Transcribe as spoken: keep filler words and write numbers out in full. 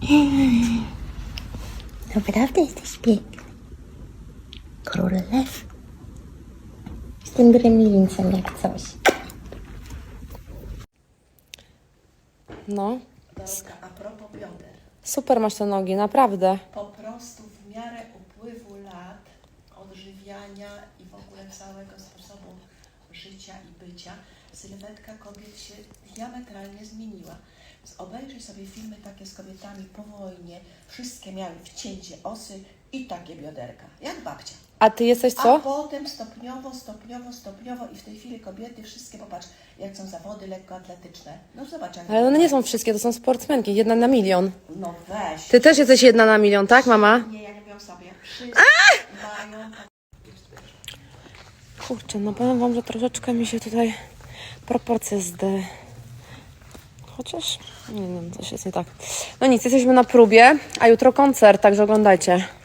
Naprawdę jesteś piękny. Król lew. Jestem gremlincem jak coś. No, Dorota, a propos bioder. super masz te nogi, naprawdę. Po prostu w miarę upływu lat, odżywiania i w ogóle całego sposobu życia i bycia, sylwetka kobiet się diametralnie zmieniła. Więc obejrzyj sobie filmy takie z kobietami po wojnie. Wszystkie miały wcięcie osy i takie bioderka, jak babcia. A ty jesteś A co? potem stopniowo, stopniowo, stopniowo i w tej chwili kobiety wszystkie, popatrz, jak są zawody lekkoatletyczne. No zobacz, jak... Ale one nie są wszystkie, to są sportsmenki, jedna na milion. No weź. Ty też jesteś jedna na milion, tak mama? Nie, ja nie wiem sobie. Wszyscy mają... Kurczę, no powiem wam, że troszeczkę mi się tutaj proporcje zde... Chociaż, nie wiem, coś jest nie tak. No nic, jesteśmy na próbie, a jutro koncert, także oglądajcie.